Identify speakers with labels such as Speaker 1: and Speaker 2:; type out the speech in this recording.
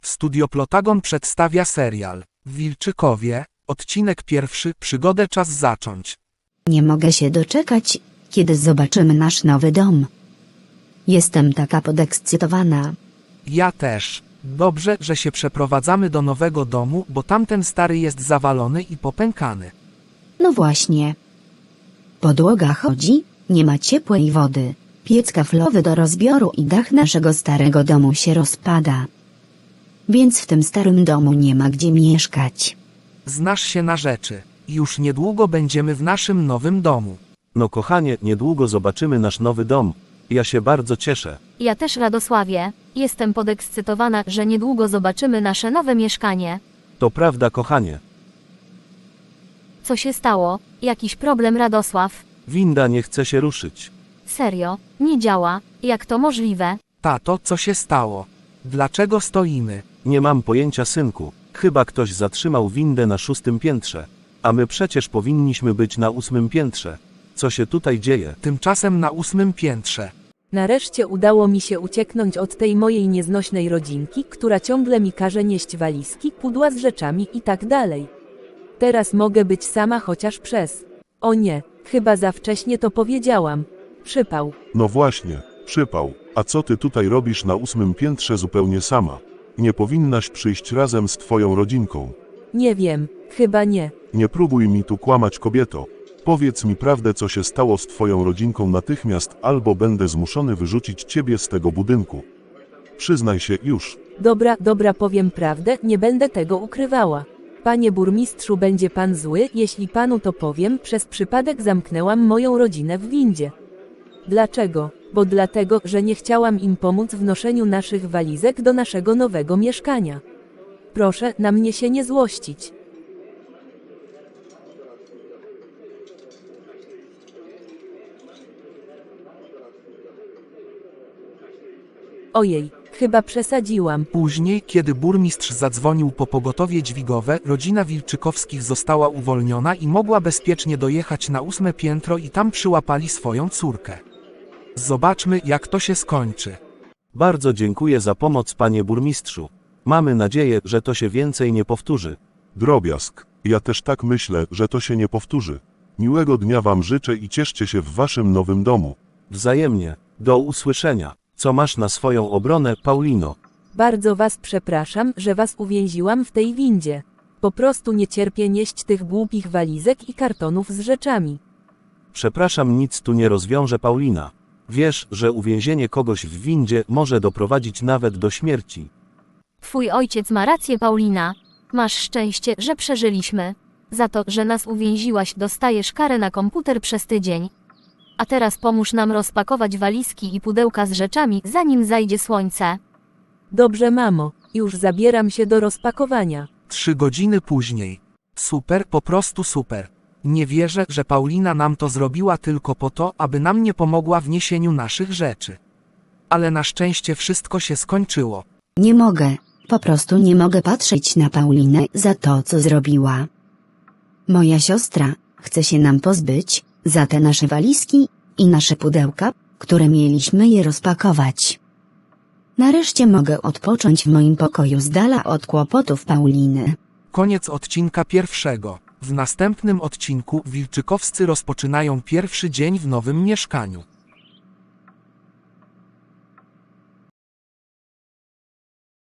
Speaker 1: Studio Plotagon przedstawia serial Wilczykowie, odcinek pierwszy, przygodę czas zacząć.
Speaker 2: Nie mogę się doczekać, kiedy zobaczymy nasz nowy dom. Jestem taka podekscytowana.
Speaker 1: Ja też. Dobrze, że się przeprowadzamy do nowego domu, bo tamten stary jest zawalony i popękany.
Speaker 2: No właśnie. Podłoga chodzi, nie ma ciepłej wody, piec kaflowy do rozbioru i dach naszego starego domu się rozpada. Więc w tym starym domu nie ma gdzie mieszkać.
Speaker 1: Znasz się na rzeczy. Już niedługo będziemy w naszym nowym domu.
Speaker 3: No kochanie, niedługo zobaczymy nasz nowy dom. Ja się bardzo cieszę.
Speaker 4: Ja też, Radosławie. Jestem podekscytowana, że niedługo zobaczymy nasze nowe mieszkanie.
Speaker 3: To prawda, kochanie.
Speaker 4: Co się stało? Jakiś problem, Radosław?
Speaker 3: Winda nie chce się ruszyć.
Speaker 4: Serio? Nie działa? Jak to możliwe?
Speaker 1: Tato, co się stało? Dlaczego stoimy?
Speaker 3: Nie mam pojęcia, synku. Chyba ktoś zatrzymał windę na 6. piętrze. A my przecież powinniśmy być na 8. piętrze. Co się tutaj dzieje?
Speaker 1: Tymczasem na 8. piętrze.
Speaker 5: Nareszcie udało mi się ucieknąć od tej mojej nieznośnej rodzinki, która ciągle mi każe nieść walizki, pudła z rzeczami i tak dalej. Teraz mogę być sama chociaż przez... O nie, chyba za wcześnie to powiedziałam. Przypał.
Speaker 6: No właśnie, przypał. A co ty tutaj robisz na 8. piętrze zupełnie sama? Nie powinnaś przyjść razem z twoją rodzinką.
Speaker 5: Nie wiem, chyba nie.
Speaker 6: Nie próbuj mi tu kłamać, kobieto. Powiedz mi prawdę, co się stało z twoją rodzinką natychmiast, albo będę zmuszony wyrzucić ciebie z tego budynku. Przyznaj się już.
Speaker 5: Dobra, powiem prawdę, nie będę tego ukrywała. Panie burmistrzu, będzie pan zły, jeśli panu to powiem, przez przypadek zamknęłam moją rodzinę w windzie. Dlaczego? Bo dlatego, że nie chciałam im pomóc w noszeniu naszych walizek do naszego nowego mieszkania. Proszę na mnie się nie złościć. Ojej, chyba przesadziłam.
Speaker 1: Później, kiedy burmistrz zadzwonił po pogotowie dźwigowe, rodzina Wilczykowskich została uwolniona i mogła bezpiecznie dojechać na 8. piętro i tam przyłapali swoją córkę. Zobaczmy, jak to się skończy.
Speaker 3: Bardzo dziękuję za pomoc, panie burmistrzu. Mamy nadzieję, że to się więcej nie powtórzy.
Speaker 6: Drobiazg. Ja też tak myślę, że to się nie powtórzy. Miłego dnia wam życzę i cieszcie się w waszym nowym domu.
Speaker 3: Wzajemnie. Do usłyszenia. Co masz na swoją obronę, Paulino?
Speaker 5: Bardzo was przepraszam, że was uwięziłam w tej windzie. Po prostu nie cierpię nieść tych głupich walizek i kartonów z rzeczami.
Speaker 3: Przepraszam, nic tu nie rozwiąże, Paulina. Wiesz, że uwięzienie kogoś w windzie może doprowadzić nawet do śmierci.
Speaker 4: Twój ojciec ma rację, Paulina. Masz szczęście, że przeżyliśmy. Za to, że nas uwięziłaś, dostajesz karę na komputer przez tydzień. A teraz pomóż nam rozpakować walizki i pudełka z rzeczami, zanim zajdzie słońce.
Speaker 5: Dobrze, mamo, już zabieram się do rozpakowania.
Speaker 1: 3 godziny później. Super, po prostu super. Nie wierzę, że Paulina nam to zrobiła tylko po to, aby nam nie pomogła w niesieniu naszych rzeczy. Ale na szczęście wszystko się skończyło.
Speaker 2: Nie mogę, po prostu nie mogę patrzeć na Paulinę za to, co zrobiła. Moja siostra chce się nam pozbyć, za te nasze walizki i nasze pudełka, które mieliśmy je rozpakować. Nareszcie mogę odpocząć w moim pokoju z dala od kłopotów Pauliny.
Speaker 1: Koniec odcinka pierwszego. W następnym odcinku Wilczykowscy rozpoczynają pierwszy dzień w nowym mieszkaniu.